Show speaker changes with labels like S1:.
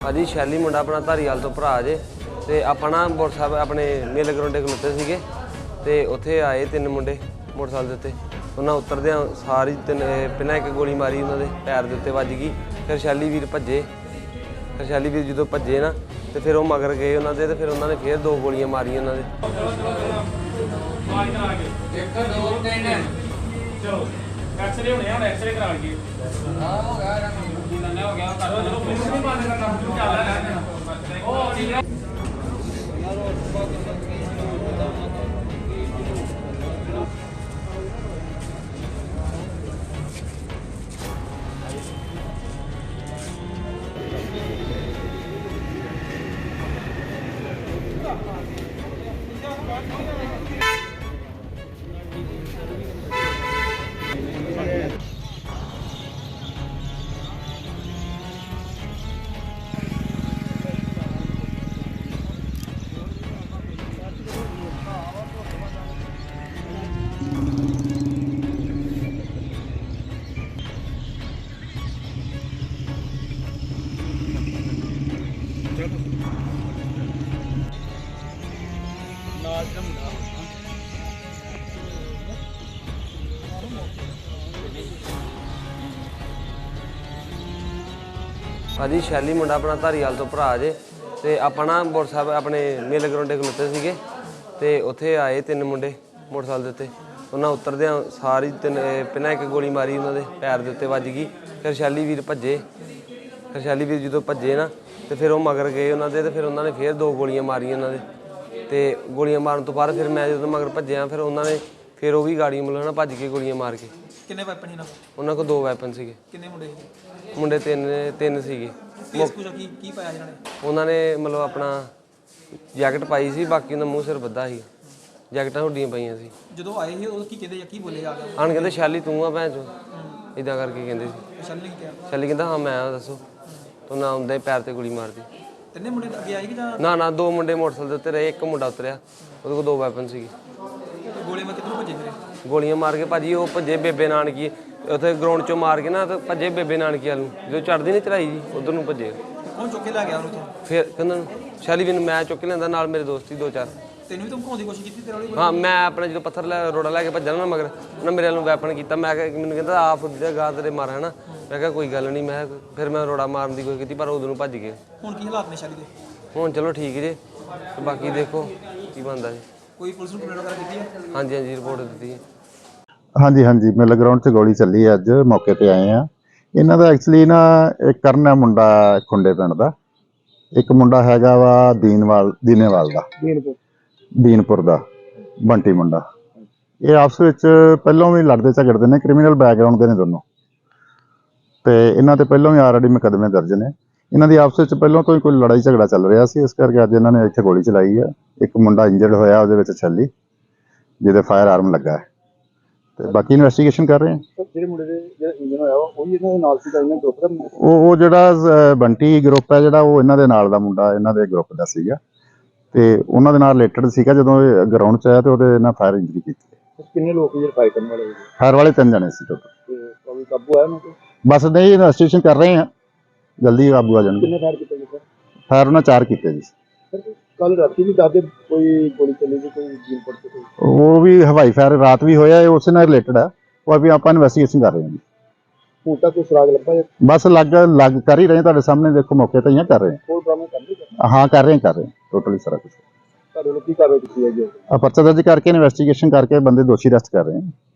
S1: भाजी शैली मुंडा अपना धारीवाल तो भरा जे ते अपना मोटरसाइकिल अपने मेले ग्राउंडे खलोते सीगे ते उत्थे आए तीन मुंडे मोटरसाइकिल दे उत्ते उन्हें उतरदे सारी पहला एक गोली मारी उन्होंने पैर के उत्ते वज गई। फिर शैली वीर भजे, फिर शैली वीर जो भजे ना तो फिर वो मगर गए उन्होंने तो फिर उन्होंने फिर दो गोलियां मारियां उन्होंने। भाजी शैली मुंडा अपना धारीवाल तो भरा जे ते अपना मोटरसाइकिल अपने मेले ग्राउंडे खलोते सीगे ते उत्थे आए तीन मुंडे मोटरसाइकिल दे उत्ते उन्हें उतरदे सारी पहला एक गोली मारी उन्होंने पैर के उत्ते वज गई। फिर शैली वीर भजे, फिर शैली वीर जो भजे ना तो फिर वो मगर गए उन्होंने तो फिर उन्होंने फिर दो गोलियां मारियां उन्होंने तो गोलियां मारन तो बाद फिर मैं जो मगर भज्या फिर उन्होंने फिर वो भी गाड़ी मतलब ना भज के गोलियां मार के।
S2: किन्ने वैपन ही ना
S1: उन्होंने को दो वैपन सीगे।
S2: किन्ने मुंडे
S1: मुंडे तीन सीगे।
S2: की पाया जिन्होंने
S1: उन्होंने मतलब अपना जैकट पाई सी, बाकी उन्हें मूँह सिर बद्धा ही जैकटां हुड्डियां पाइयां सी।
S2: ਜਦੋਂ ਆਏ ਸੀ ਉਹ ਕੀ ਕਹਿੰਦੇ ਜਾਂ ਕੀ ਬੋਲੇ ਆ ਗਿਆ
S1: ਆਣ ਕਹਿੰਦੇ ਸ਼ੈਲੀ ਤੂੰ ਆ ਭੈਣ ਚੋ ਇਦਾਂ ਕਰਕੇ ਕਹਿੰਦੇ ਸੀ।
S2: ਸ਼ੈਲੀ ਨੇ ਕੀ ਕਿਹਾ
S1: ਸ਼ੈਲੀ ਕਹਿੰਦਾ ਹਾਂ ਮੈਂ ਆ ਦੱਸੋ ਤੂੰ ਨਾ ਆਉਂਦਾ ਹੀ ਪੈਰ ਤੇ ਗੋਲੀ ਮਾਰਦੀ।
S2: ਤਿੰਨੇ ਮੁੰਡੇ ਅੱਗੇ ਆਏ ਕਿ ਜਾਂ
S1: ਨਾ ਨਾ ਦੋ ਮੁੰਡੇ ਮੋਟਰਸਾਈਕਲ ਦੇ ਉੱਤੇ ਰਹੇ, ਇੱਕ ਮੁੰਡਾ ਉਤਰਿਆ ਉਹਦੇ ਕੋਲ ਦੋ ਵੈਪਨ ਸੀਗੇ।
S2: ਗੋਲੇ ਮਾਰ ਕਿੱਧਰੋਂ ਭੱਜੇ ਫਿਰੇ
S1: ਗੋਲੀਆਂ ਮਾਰ ਕੇ ਭਾਜੀ ਉਹ ਭੱਜੇ ਬੇਬੇ ਨਾਨਕੀ ਉੱਥੇ ਗਰਾਊਂਡ ਚੋਂ ਮਾਰ ਕੇ ਨਾ ਤੇ ਭੱਜੇ ਬੇਬੇ ਨਾਨਕੀ ਵੱਲ ਨੂੰ, ਜਦੋਂ ਚੜ੍ਹਦੀ ਨਹੀਂ ਚੜਾਈ ਜੀ ਉਧਰ ਨੂੰ ਭੱਜੇ।
S2: ਕੌਣ ਚੁੱਕ ਕੇ ਲੈ ਗਿਆ ਉਹਨੂੰ ਤੋਂ
S1: ਫਿਰ ਕਹਿੰਦਾ ਸ਼ੈਲੀ ਵੀ ਮੈਂ ਚੁੱਕ ਕੇ ਲੈਂਦਾ ਨਾਲ ਮੇਰੇ ਦੋਸਤ ਹੀ ਦੋ ਚਾਰ।
S2: ਤੈਨੂੰ ਵੀ ਧਮਕਾਉਣ ਦੀ ਕੋਸ਼ਿਸ਼ ਕੀਤੀ ਤੇਰੇ ਵਾਲੀ
S1: ਹਾਂ ਮੈਂ ਆਪਣੇ ਜਦੋਂ ਪੱਥਰ ਲੈ ਰੋੜਾ ਲੈ ਕੇ ਭੱਜਣਾ ਨਾ ਮਗਰ ਉਹਨਾਂ ਮੇਰੇ ਵੱਲੋਂ ਵੈਪਨ ਕੀਤਾ। ਮੈਂ ਕਿਹਾ ਮੈਨੂੰ ਕਹਿੰਦਾ ਆ ਫੁੱਟ ਗਾਹ ਤੇਰੇ ਮਾਰ ਹੈ ਨਾ। ਮੈਂ ਕਿਹਾ ਕੋਈ ਗੱਲ ਨਹੀਂ। ਮੈਂ ਫਿਰ ਮੈਂ ਰੋੜਾ ਮਾਰਨ ਦੀ ਕੋਸ਼ਿਸ਼ ਕੀਤੀ ਪਰ ਉਦੋਂ ਨੂੰ ਭੱਜ ਗਏ।
S2: ਹੁਣ ਕੀ ਹਾਲਾਤ ਨੇ ਸ਼ੈਲੀ ਦੇ?
S1: ਹੁਣ ਚਲੋ ਠੀਕ ਜੇ ਤੇ ਬਾਕੀ ਦੇਖੋ ਕੀ ਬਣਦਾ ਜੀ।
S2: ਕੋਈ ਪੁਲਿਸ ਨੂੰ ਕੰਪਲੇਂਟ ਵਗੈਰਾ ਕੀਤੀ ਹੈ?
S1: ਹਾਂਜੀ ਹਾਂਜੀ ਰਿਪੋਰਟ ਦਿੱਤੀ ਹੈ।
S3: ਹਾਂਜੀ ਹਾਂਜੀ ਮੇਲੇ ਗਰਾਊਂਡ 'ਚ ਗੋਲੀ ਚੱਲੀ ਹੈ, ਅੱਜ ਮੌਕੇ ਤੇ ਆਏ ਆ। ਇਹਨਾਂ ਦਾ ਐਕਚੁਅਲੀ ਨਾ ਇੱਕ ਕਰਨ ਹੈ ਮੁੰਡਾ ਖੁੰਡੇ ਪਿੰਡ ਦਾ, ਇੱਕ ਮੁੰਡਾ ਹੈਗਾ ਵਾ ਦੀਨੇਵਾਲ ਦਾ ਦੀਨਪੁਰ ਦਾ ਬੰਟੀ ਮੁੰਡਾ। ਇਹ ਆਪਸ ਵਿੱਚ ਪਹਿਲਾਂ ਵੀ ਲੜਦੇ ਝਗੜਦੇ ਨੇ, ਕ੍ਰਿਮੀਨਲ ਬੈਕਗਰਾਊਂਡ ਦੇ ਨੇ ਦੋਨੋਂ ਤੇ ਇਹਨਾਂ ਤੇ ਪਹਿਲਾਂ ਵੀ ਆਲਰੇਡੀ ਮੁਕੱਦਮੇ ਦਰਜ ਨੇ। ਇਹਨਾਂ ਦੀ ਆਪਸ ਵਿੱਚ ਪਹਿਲਾਂ ਤੋਂ ਹੀ ਕੋਈ ਲੜਾਈ ਝਗੜਾ ਚੱਲ ਰਿਹਾ ਸੀ, ਇਸ ਕਰਕੇ ਅੱਜ ਇਹਨਾਂ ਨੇ ਇੱਥੇ ਗੋਲੀ ਚਲਾਈ ਹੈ। ਇੱਕ ਮੁੰਡਾ ਇੰਜਰਡ ਹੋਇਆ ਉਹਦੇ ਵਿੱਚ ਛੱਲੀ ਜਿਹਦੇ ਫਾਇਰ ਆਰਮ ਲੱਗਾ ਹੈ ਤੇ ਬਾਕੀ ਇਨਵੈਸਟੀਗੇਸ਼ਨ ਕਰ ਰਹੇ ਹਾਂ।
S4: ਜਿਹੜੇ ਮੁੰਡੇ ਦੇ ਜਿਹੜਾ ਇੰਜਨ ਹੋਇਆ ਉਹ ਵੀ ਇਹਨਾਂ ਦੇ ਨਾਲ ਸੀਗਾ, ਇਹਨਾਂ ਗਰੁੱਪ ਦਾ
S3: ਉਹ ਜਿਹੜਾ ਬੰਟੀ ਗਰੁੱਪ ਹੈ ਜਿਹੜਾ ਉਹ ਇਹਨਾਂ ਦੇ ਨਾਲ ਦਾ ਮੁੰਡਾ ਇਹਨਾਂ ਦੇ ਗਰੁੱਪ ਦਾ ਸੀਗਾ ਤੇ ਉਹਨਾਂ ਦੇ ਨਾਲ ਰਿਲੇਟਡ ਸੀਗਾ। ਜਦੋਂ ਇਹ ਗਰਾਊਂਡ 'ਚ ਆਇਆ ਤੇ ਉਹਦੇ ਨਾਲ ਫਾਇਰ ਇੰਜਰੀ ਕੀਤੀ।
S4: ਕਿੰਨੇ ਲੋਕ ਜਿਹੜੇ ਫਾਈਟ ਕਰਨ ਵਾਲੇ
S3: ਫਾਇਰ ਵਾਲੇ 3 ਜਣੇ ਸੀ ਟੋਟਲ।
S4: ਤੇ ਕੋਈ ਕਾਬੂ ਆਇਆ ਉਹਨਾਂ ਤੇ?
S3: ਬਸ ਨਹੀਂ ਇਨਵੈਸਟੀਗੇਸ਼ਨ ਕਰ ਰਹੇ ਹਾਂ, ਜਲਦੀ ਕਾਬੂ ਆ ਜਾਣਗੇ।
S4: ਕਿੰਨੇ ਫਾਇਰ ਕੀਤੇ ਗਏ ਸਰ?
S3: ਫਾਇਰ ਉਹਨਾਂ 4 ਕੀਤੇ ਜੀ।
S4: ਕੱਲ ਰਾਤੀ ਵੀ ਦੱਸਦੇ ਕੋਈ ਗੋਲੀ ਚੱਲੀ ਸੀ ਕੋਈ ਜੀਨਪੁਰ ਤੇ ਕੋਈ?
S3: ਉਹ ਵੀ ਹਵਾਈ ਫਾਇਰ ਰਾਤ ਵੀ ਹੋਇਆ, ਇਹ ਉਸੇ ਨਾਲ ਰਿਲੇਟਡ ਹੈ। ਉਹ ਵੀ ਆਪਾਂ ਇਨਵੈਸਟੀਗੇਸ਼ਨ ਕਰ ਰਹੇ ਹਾਂ ਜੀ।
S4: ਹੁਣ ਤੱਕ ਕੋਈ ਸੁਰਾਗ ਲੱਭਾ ਜਾਂ
S3: ਬਸ ਲੱਗ ਕਰ ਹੀ ਰਹੇ, ਤੁਹਾਡੇ ਸਾਹਮਣੇ ਦੇਖੋ ਮੌਕੇ ਤੇ ਹੀ ਕਰ ਰਹੇ
S4: ਹੋਰ ਡਰਾਮੇ ਕਰਦੇ
S3: ਹਾਂ। ਹਾਂ ਕਰ ਰਹੇ ਟੋਟਲੀ ਸਾਰਾ ਕੁਝ।
S4: ਤੁਹਾਡੇ ਲੋਕ ਕੀ ਕਾਰਵਾਈ ਕੀਤੀ ਹੈ ਜੀ?
S3: ਪਰਚਾ ਦਰਜ ਕਰਕੇ ਇਨਵੈਸਟੀਗੇਸ਼ਨ ਕਰਕੇ ਬੰਦੇ ਦੋਸ਼ੀ ਅਰੈਸਟ ਕਰ ਰਹੇ ਹਾਂ।